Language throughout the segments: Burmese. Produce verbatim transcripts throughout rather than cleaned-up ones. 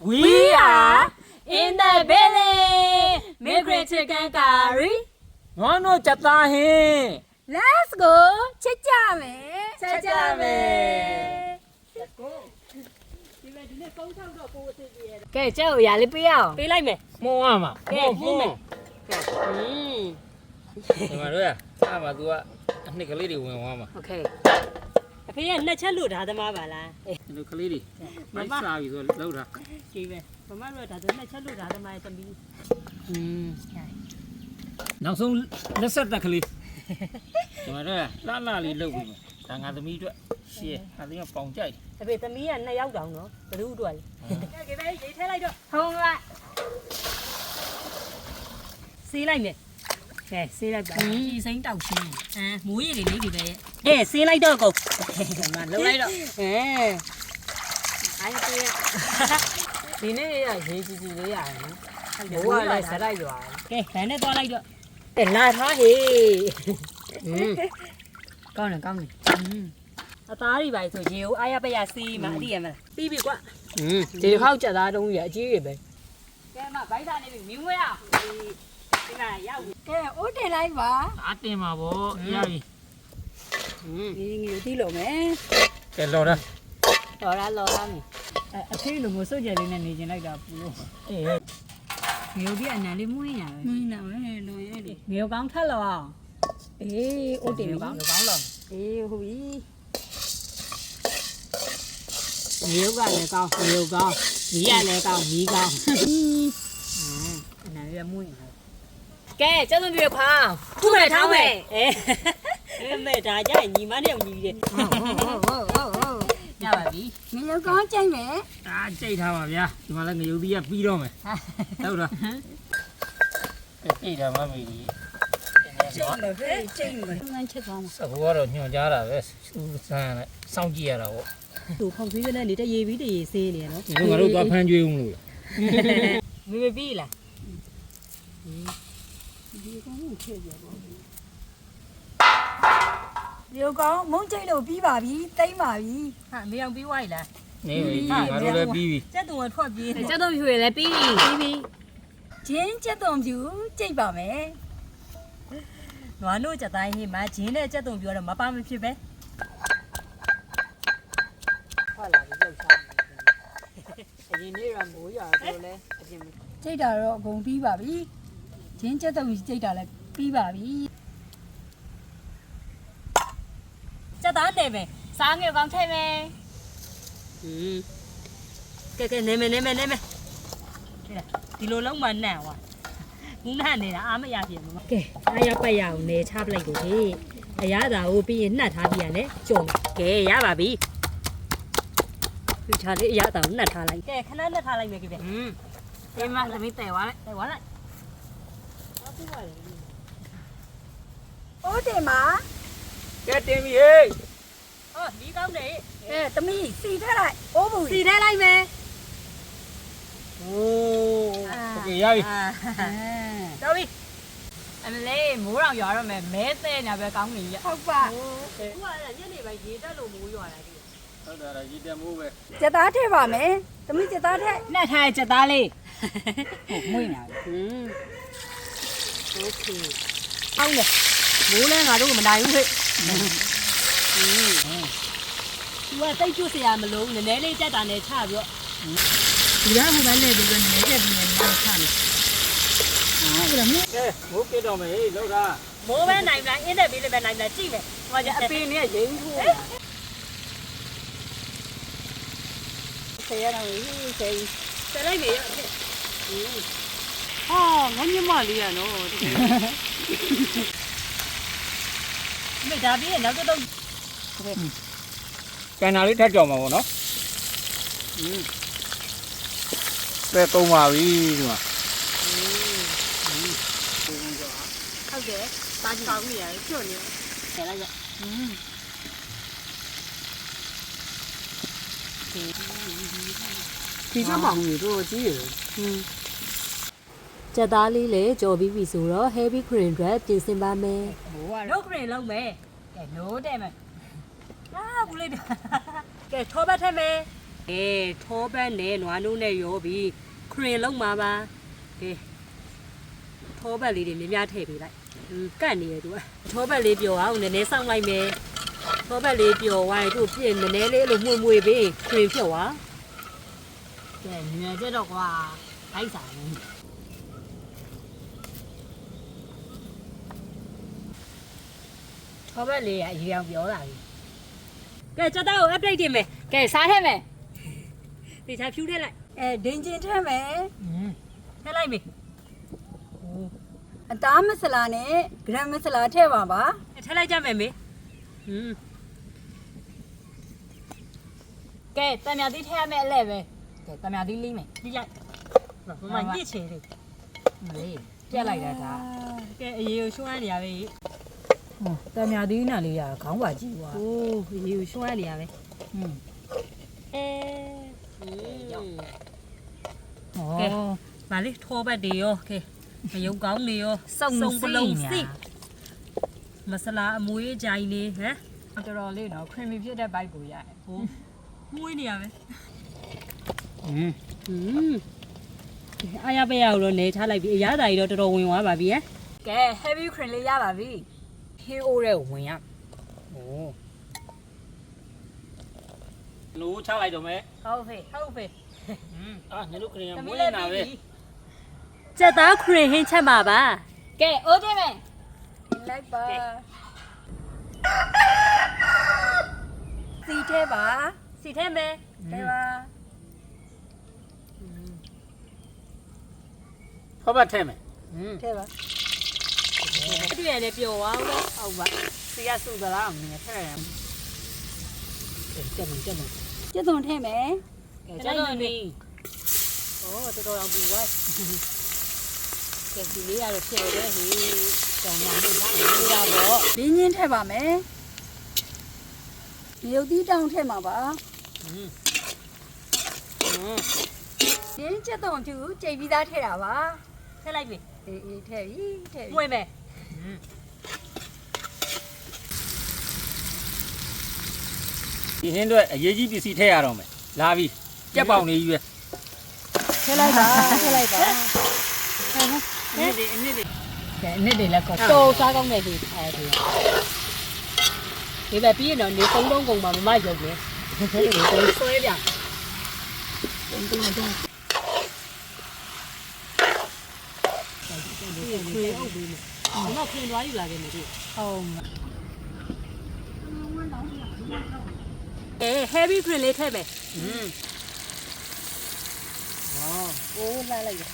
We are in the building. Migrant chicken curry. No no chata hai. Let's go. Chichame. Chichame. Let's go. ဒီမဲ့ဒီနေ့ကုန်းထောက်တော့ကိုအစ်ကြီးရဲ့ကဲကျုပ်ရာလေးပေးအောင်ပေးလိုက်မယ် Mo ama. ကဲမှုမယ်ကဲอืมဒီမှာတို့ရအားမှာ तू ကအနှစ်ကလေးတွေဝင်သွားမှာโอเคအဖေကနှစ်ချက်လို့ဓာသမားပါလားဒီလိုကလေးတွေမိုက်စားပြီဆိုလောက်တာကြည့်ပဲမမတို့ကဒါဆိုနှစ်ချက်လို့ဓာသမားရဲ့သမီးอืมနောက်ဆုံးလက်ဆက်တက်ကလေးဒီမှာတို့ရလှလှလေးလုပ်ပြီဒါငါသမီးအတွက်ရှေ့ငါသမီးကပေါင်ကြိုက်အဖေသမီးကနှစ်ယောက်တောင်နော်ဘ누구အတွက်လဲကဲကဲပဲရေးထဲလိုက်တော့ဟုံးလိုက်ဆေးလိုက်မယ်ကဲဆေးလိုက်ပါကြီးစိမ့်တောက်ရှင်းဟမ်မိုးရည်လေးလေးဒီပဲကဲဆေးလိုက်တော့ကုန်ဒီမှာလှုပ်လိုက်တော့ဟဲ့အိုင်းပေးဒီနေ့ရရေးကြည့်ကြည့်လေးရတယ်နော်ဘိုးကလည်းစလိုက်ရွာကဲဗန်နဲ့သွားလိုက်တော့ကဲလာထားဟေးอืมကောင်းတယ်ကောင်းတယ်อืมအသားတွေပါဆိုရေကိုအားရပရဆေးမှာအတိရမလားပြီးပြီကွာอืมဒီတစ်ခေါက်ကြက်သားတုံးကြီးအကြီးကြီးပဲကဲမဗိုက်သားနေပြီမြင်းဝဲအောင်ဒီမှာရောက်ပြီကဲအိုးတင်လိုက်ပါဒါတင်ပါဗောရပြီอืมဒီငီတီးလို့မယ်ကဲလော်တာလော်ရလော်ရမယ်အဖေလိုမျိုးစုပ်ကြလေးနဲ့နေကျင်လိုက်တာပူလို့အေးမျိုးပြီးအနံလေးမွေးညာပဲမင်းနာမဲလွန်ရဲလေမျိုးကောင်းထက်လို့အောင်အေးအိုးတင်ပြီကောင်းကောင်းလော်အေးဟုတ်ပြီမျိုးကလည်းကောင်းမျိုးကောင်းမီးကလည်းကောင်းမီးကောင်းအနံလေးမွေးညာကဲကျုပ်တို့ပြေခေါင်းခုမဲ့ထောင်းမဲ့အဲအဲမဲ့ဒါကြရင်ညီမနဲ့ညီတယ်ဟုတ်ဟုတ်ဟုတ်ဟုတ်ဟုတ်ရပါပြီမင်းကောင်းကြိုက်မယ်ဒါကြိတ်ထားပါဗျာဒီမှာလည်းငရုတ်သီးကပြီးတော့မယ်ဟုတ်လားကြိတ်တာမမေကြီးကျိတ်မယ်ဖေးကျိတ်မယ်ငန်းချက်သွားမှာစကူကတော့ညွှန်ကြားတာပဲစူးစမ်းနဲ့စောင့်ကြည့်ရတာပေါ့သူဖောက်သွေးကနေနေတရေပြီးတရေဆေးနေနော်ဒီလိုငါတို့သွားဖမ်းကြွေးဦးမလို့မေမေပြီးလားမျိုးကောင်းမုံကျိတ်လို့ပြီးပါပြီတိမ့်ပါပြီဟာမေအောင်ပြီးွားရည်လားနေပြီငါတို့လည်းပြီးပြီကျက်သူကထွက်ပြေးနေကျုပ်တို့ဖြူရလည်းပြီးပြီပြီးပြီဂျင်းကျက်သွန်ပြူကျိတ်ပါမယ်နွားတို့ကြတိုင်းဟင်းမှာဂျင်းနဲ့ကြက်သွန်ပြောတော့မပါမဖြစ်ပဲဟုတ်လားဒီလောက်ချာအရင်နေ့ကမိုးရွာတော့လဲအပြင်ကျိတ်တာတော့အကုန်ပြီးပါပြီဂျင်းကျက်သွန်ကျိတ်တာလည်းပြီးပါပြီကြက်သားနေမယ်စားငယ်ကောင်းထဲမယ်อืมကဲကဲနေမယ်နေမယ်နေမယ်ဒီလိုလုံးမနှံ့ဟွာဘူးနှံ့နေတာအားမရပြင်ဘူးကဲအားရပတ်ရအောင်နေချပလိုက်ကိုဟေးအရသာကိုပြီးရင်နှက်ထားပြီးရလဲကြုံကဲရပါပြီဒီထားလေးအရသာကိုနှက်ထားလိုက်ကဲခဏနှက်ထားလိုက်မယ်ကြည့်ပဲอืมဒီမှာသမီးတဲသွားလိုက်ဟဲ့ဝါလိုက်အားပြီးသွားတယ်အိုးတင်ပါကဲတင်ပြီဟေးဟောဒီကောင်းနေအဲသမီးစီထက်လိုက်အိုးဘူးစီထဲလိုက်မယ်โอ้โอเคရပြီတော်ပြီအမလေးမိုးတော်ရွာတော့မယ်မဲတဲ့ညာပဲကောင်းနေရဟုတ်ပါခုကညနေပိုင်းရေတက်လို့မိုးရွာလာပြီဟုတ်တယ်ဒါကြီးတက်မိုးပဲကျက်သားထည့်ပါမယ်သမီးကျက်သားထည့်နှက်ထားတဲ့ချက်သားလေးဟုတ်မွေးနေတယ်อืมโอเคအောင်းလေမိုးလဲငါတို့မနိုင်ဘူးဟဲ့သူကတိတ်ကျွတ်เสียမလို့နည်းနည်းလေးတက်တာနဲ့ချပြီးတော့ဒီကဟိုဘက်လေဒီကနေချက်ပြီးနေနေချတယ်ဟုတ်လားမင်းကဲမိုးပြတော့မယ်ဟေးလောက်တာမိုးပဲနိုင်လားအင်းတဲ့ဘေးလေးပဲနိုင်လားကြည့်မယ်ဟိုကအအပပင်င်းနဲ့ရင်းထိုးဆယ်ရတော့ဟေးဆယ်ဆက်လိုက်နေရဟာငါညမလေးရနော်တကယ်မိဒါပြီးရင်နောက်တော့ကန်နာလေးထပ်ကြောင်ပါဗောနော်ပဲသုံးပါပြီဒီမှာဟုတ်တယ်ပါကြည့်ကောင်းနေရတယ်ကျွတ်နေဆက်လိုက်ရဒီချက်ပေါင်ကြီးတို့ကြီးရယ်ကြက်သားလေးလည်းကြော်ပြီးပြီဆိုတော့ heavy cream အတွက်ပြင်ဆင်ပါမယ်ဘိုးကနှုတ်ခရင်လုံးမယ်ကဲနိုးတဲ့မယ်အာဘူးလေးကဲထောပတ်ထက်မယ်အေးထောပတ်နဲ့နွားနိုးနဲ့ရောပြီးခရင်လုံးမှာပါကဲထောပတ်လေးတွေမြများထည့်ပေးလိုက်ကတ်နေရသူကထောပတ်လေးပျော်အောင်နည်းနည်းစောင့်လိုက်မယ်ထောပတ်လေးပျော်သွားရင်သူ့ပြည့်နည်းနည်းလေးအဲ့လိုမှုန့်မွေပေးခရင်ဖြုတ်သွားကဲညကြတော့ကွာလိုက်စားနေခေါ်ပဲလေးအရင်ပြောလာပြီကဲချက်တော့ update တင်မယ်ကဲစားထည့်မယ်တေချာဖြူးထည့်လိုက်အဲဒင်းချင်းထဲမယ်ထည့်လိုက်မေအသားမဆလာနဲ့ဂရမ်မဆလာထည့်ပါပါထည့်လိုက်ကြမယ်မေဟွန်းကဲတံမြသီးထည့်ရမယ်အလဲပဲကဲတံမြသီးလိမ့်မယ်ဒီလိုက်မမညစ်ချေလေးမလေးပြက်လိုက်တာဒါကဲအရေးကိုရှွှမ်းနေရပဲဟောတံမြသီးနဲ့လေးရခေါင်းပါကြည့်ွာโอ้အရေးကိုရှွှမ်းနေရပဲอืมအဲဟဟောကဲဗာလေထောပတ်တွေရောကဲမယုံကောင်းနေရောစုံပလုံးစိမဆလာအမွေးကြိုင်နေဟမ်တော်တော်လေးနော်ခရင်မီဖြစ်တဲ့ဘိုက်ကိုရတယ်ဟိုမှုေးနေရပဲอืมဟွန်းအားရပရတော့နေထားလိုက်ပြီအရသာကြီးတော့တော်တော်ဝင်သွားပါပြီဟမ်ကဲ heavy cream လေးရပါပြီ K O တဲ့ဝင်ရโอ้လို့ချလိုက်တော့မယ်ဟုတ်ဖေဟုတ်ပဲအာညတို့ခရင်သမီးမွေးလေးနေတာပြီပဲစက်သားခရင်ဟင်းချက်ပါပါကဲအိုးတင်မယ်လိုက်ပါစီထဲပါစီထဲမယ်ထဲပါဖောက်ပတ်ထဲမယ်อืมထဲပါအတွေ့ရတယ်ပျော်သွားအောင်ဟုတ်ပါစီရစုသလားမင်းထည့်ရမယ်ကြက်မကြက်မကျက်သွန်ထဲမယ်ကဲကြက်တော့နေဩတော်တော်အောင်ပူသွားကဲဒီလေးရတော့ဖြစ်တယ်ဟေးကြောင်ညနေသားနေရတော့ဒင်းချင်းထဲပါမယ်မြုပ်သီးတောင်းထဲမှာပါอืมဒင်းကျက်သွန်ဖြူကြိတ်ပြီးသားထဲတာပါထည့်လိုက်ပြီအေးအေးထဲပြီထဲပြီမွေးမယ်ဒီဟင်းအတွက်အရေးကြီးပစ္စည်းထည့်ရတော့မယ်လာပြီကြက်ပေါင်လေးကြီးပဲထဲလိုက်ပါထဲလိုက်ပါအနစ်တွေအနစ်တွေကဲအနစ်တွေလည်းကောတော်စားကောင်းတဲ့ဒီအဲဒီဒီပဲပြီးရင်တော့နေသုံးလုံးကုန်မှာမမရုပ်လေကိုဆွဲပြခွေအုပ်ပြီးမယ်ဒီမှာခွင်သွားယူလာခဲ့မယ်ဒီဟုတ်အဲ heavy ခွင်လေးထည့်မယ်อืมအိုးလိုက်လိုက်ပါ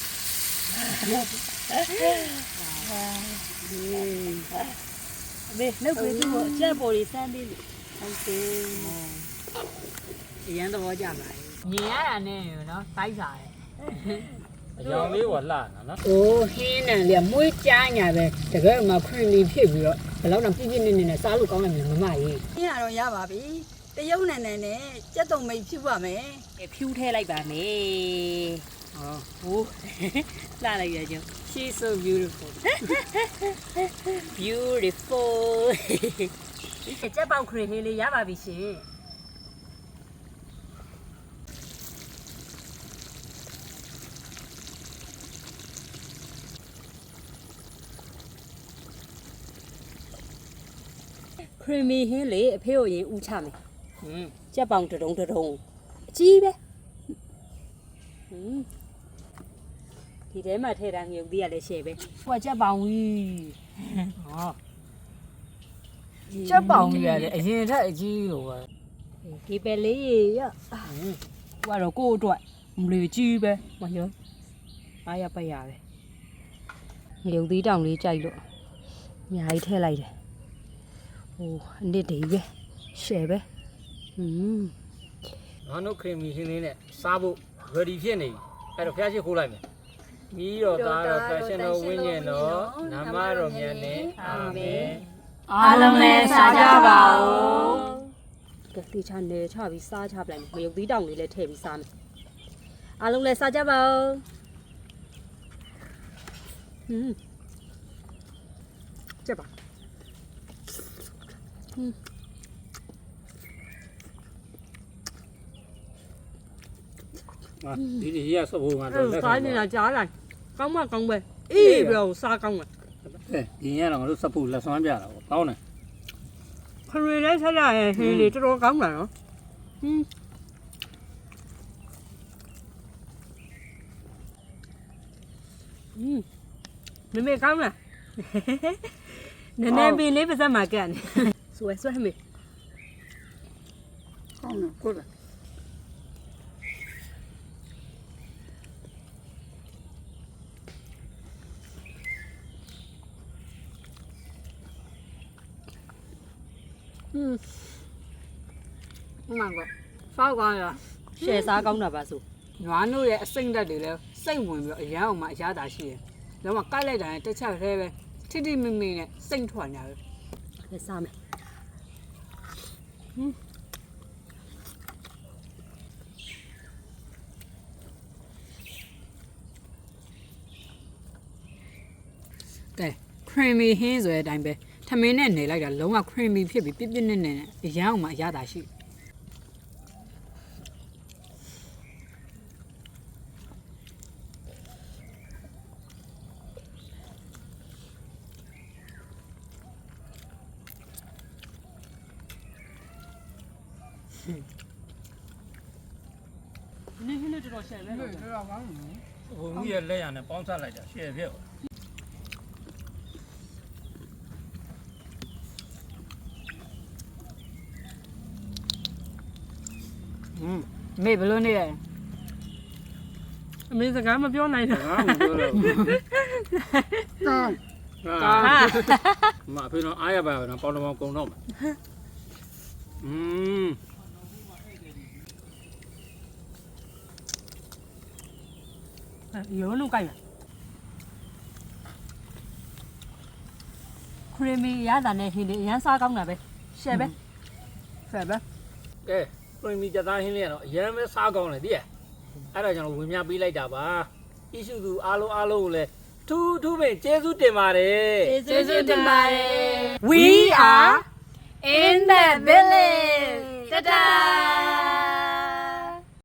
ဘေးနှုတ်ခွေသူ့ကိုအချက်ပေါ်လေးစမ်းသေးလို့ဟုတ်တယ်အရန်သဘောကျပါလေမြင်ရတာနဲ့နော်တိုက်စားတယ်အယောင်လေးကလှတာနော်။အိုးဟင်းနံလေးမွေးကြားညာပဲတကယ်မှခရင်လီဖြစ်ပြီးတော့ဘယ်တော့မှပြည့်ပြည့်နေနေနဲ့စားလို့ကောင်းတယ်မမကြီး။င်းရတော့ရပါပြီ။တရုတ်နယ်နယ်နဲ့ကြက်သွန်မိတ်ဖြူပါမယ်ဖြူးထည့်လိုက်ပါမယ်။ဟောဟိုးလှလိုက်ရကြ she's so beautiful beautiful ကြက်ပေါက်ခရင်ဟင်းလေးရပါပြီရှင်ခရီမီဟင်းလေးအဖေကိုရင်ဥချမယ်။อืมကြက်ပေါင်တဒုံတဒုံအကြီးပဲဟွန်းဒီထဲမှာထည့်တာငြုပ်သေးရလဲရှယ်ပဲဟိုကချက်ပေါင်ကြီး။ဟောချက်ပေါင်ကြီးရတယ်အရင်ထက်အကြီးလို့ပဲဒီပဲလေးရရဟိုကတော့ကိုယ့်အတွက်မလီကြီးပဲမရောအားရပတ်ရပဲငြုပ်သေးတောင်လေးကြိုက်လို့အများကြီးထည့်လိုက်တယ်ဟိုအနစ်တွေပဲရှယ်ပဲဟွန်းငါတို့ခရင်မီဟင်းလေးနဲ့စားဖို့ ready ဖြစ်နေပြီအဲ့တော့ဖျားရှိခိုးလိုက်မယ်ပြီးတော့ဒါတော့ fashion တော်ဝင်းကျင်တော့နာမတော်မြတ်နဲ့အာမင်အားလုံးလည်းစားကြပါဦးကဲတေချာနေချပြီးစားချပလိုက်မယ်ငြုပ်သေးတောင်လေးလည်းထည့်ပြီးစားမယ်အားလုံးလည်းစားကြပါဦးဟွန်းကြက်ပါဟွန်းဒီဒီရဆော့ဖို့ကတော့အဲ့စားနေတာကြားလိုက်ကောင်းမကောင်းပဲအေးပြောစားကောင်းတယ်ကဲဒီရတော့ငါတို့စပ်ဖို့လက်ဆွမ်းပြတာပေါ့ကောင်းတယ်ခရီးလေးဆက်ရရင်ဟင်းလေးတော်တော်ကောင်းတာနော်ဟင်းอืมမမေကောင်းလားနည်းနည်းပင်လေးပါစက်မှာကတ်နေဆွဲဆွဲမေကောင်းတယ်ကိုယ်อืมမှန်ကောဖောက်ကောင်းရရှယ်စားကောင်းတာပါဆိုနွားနို့ရဲ့အစိမ့်တက်တွေလည်းစိတ်ဝင်ပြီးအရန်အောင်မှအရသာရှိတယ်လုံးဝကိုက်လိုက်တာနဲ့တစ်ချက်သေးပဲထိထိမိမိနဲ့စိတ်ထွက်နေတာပဲလက်စားမယ်ကဲ creamy ဟင်းဆိုတဲ့အတိုင်းပဲထမင်းနဲ့နေလိုက်တာလုံးဝ creamy ဖြစ်ပြီးပြည့်ပြည့်နဲ့နဲ့အရန်အောင်မှအရသာရှိနည်းနည်းတော်တော်ရှယ်ပဲနော်ဘုံကြီးရဲ့လက်ရနဲ့ပေါင်းဆက်လိုက်တာရှယ်ဖြစ်อืมမေဘလို့နေရအမေစကားမပြောနိုင်တာငါမပြောတော့ဘူးကောင်းကောင်းမအဖေတော့အားရပါတော့ပေါင်းတော့ကုံတော့မှာอืมရုံးလုံးကြိုက်လားခရီမီရတာနဲ့ဟင်းလေးအရန်စားကောင်းတာပဲရှယ်ပဲဖယ်ပဲကဲပရင်မီကြသားဟင်းလေးကတော့အရင်ပဲစားကောင်းတယ်တည်းအဲ့ဒါကြောင့်ဝင်မြပေးလိုက်တာပါအီရှုသူအားလုံးအားလုံးကိုလည်းထူးထူးပင်ကျေးဇူးတင်ပါတယ်ကျေးဇူးတင်ပါတယ် We are in the village တတာ